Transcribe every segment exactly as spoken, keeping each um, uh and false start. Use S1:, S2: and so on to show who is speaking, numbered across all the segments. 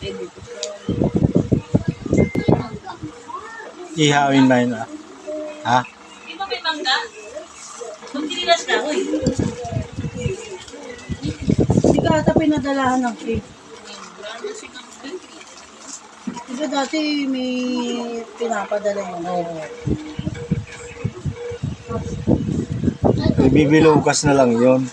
S1: Ihawin ba yun ah? Ha?
S2: Di ba may mangga? Magtinilas ka, uy.
S3: Hindi ka ata pinadalahan ng cake. Diba dati may pinapadala yun. Oo.
S1: Ibibilugas na lang yun.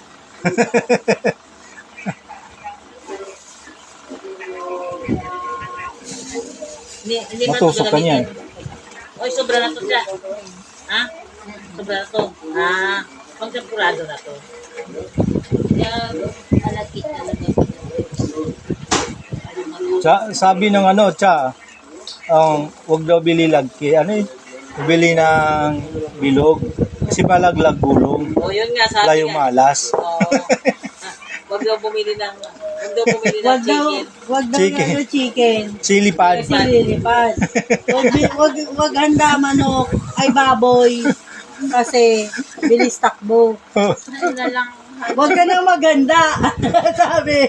S2: Hindi, hindi
S1: Matusok ka niyan.
S2: Oy, sobra na to siya. Ha? Sobra na to. Ah, pagkampurado na to. Yan, malakit talaga.
S1: Tsa, sabi ng ano, tsa, ang wag daw bili lagki. Ano eh? Bili ng bilog. Kasi malaglag gulong.
S2: O, yun nga, sabi
S1: Layo
S2: nga.
S1: malas.
S2: Oo. Huwag daw bumili ng, huwag daw bumili ng
S3: Wag daw,
S2: chicken.
S3: wag daw
S1: Chicken.
S3: chicken. chicken.
S1: Chili pad.
S3: Sililipad. Wag, wag, wag handa manok ay baboy. Kasi bilis takbo.
S2: Ano na lang.
S3: Wag ka nang maganda. Sabi.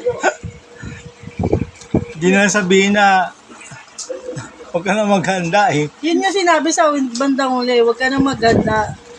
S1: Di na sabihin na huwag ka na maghanda eh.
S3: Yun yung sinabi sa bandang uli. Wag ka nang maganda.